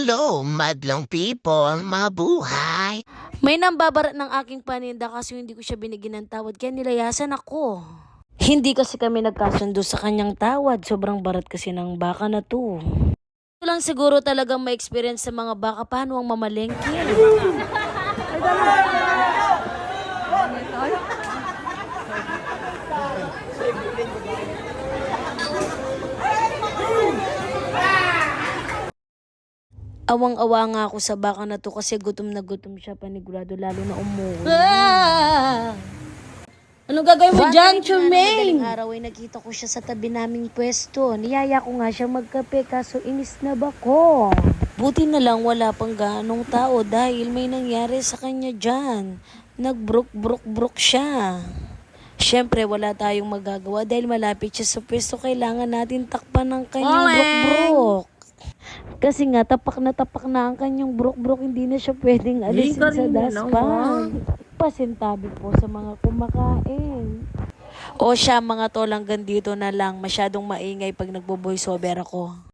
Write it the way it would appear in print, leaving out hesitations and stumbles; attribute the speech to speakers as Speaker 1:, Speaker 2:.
Speaker 1: Hello, madlong people, mabuhay!
Speaker 2: May nambabarat ng aking paninda kasi hindi ko siya binigyan ng tawad kaya nilayasan ako. Hindi kasi kami nagkasundo sa kanyang tawad. Sobrang barat kasi ng baka na to. Ito lang siguro talagang may experience sa mga baka paano ang mamalengke. Awang-awa nga ako sa baka na to kasi gutom na gutom siya panigurado lalo na umuwi.
Speaker 3: Anong gagawin mo dyan,
Speaker 2: Madaling
Speaker 3: Chumaine?
Speaker 2: araw ay nakita ko siya sa tabi naming pwesto. Niyaya ko nga siya magkape kaso inis na ba ko? Buti na lang wala pang ganong tao dahil may nangyari sa kanya dyan. Nagbrok siya. Siyempre wala tayong magagawa dahil malapit siya sa pwesto. Kailangan natin takpan ng kanyang brok. Kasi nga tapak na ang kanyang brok. Hindi na siya pwedeng alisin sa daspan. Pasintabi po sa mga kumakain. O siya mga tol hanggang dito na lang. Masyadong maingay pag nagbo-voiceover ako.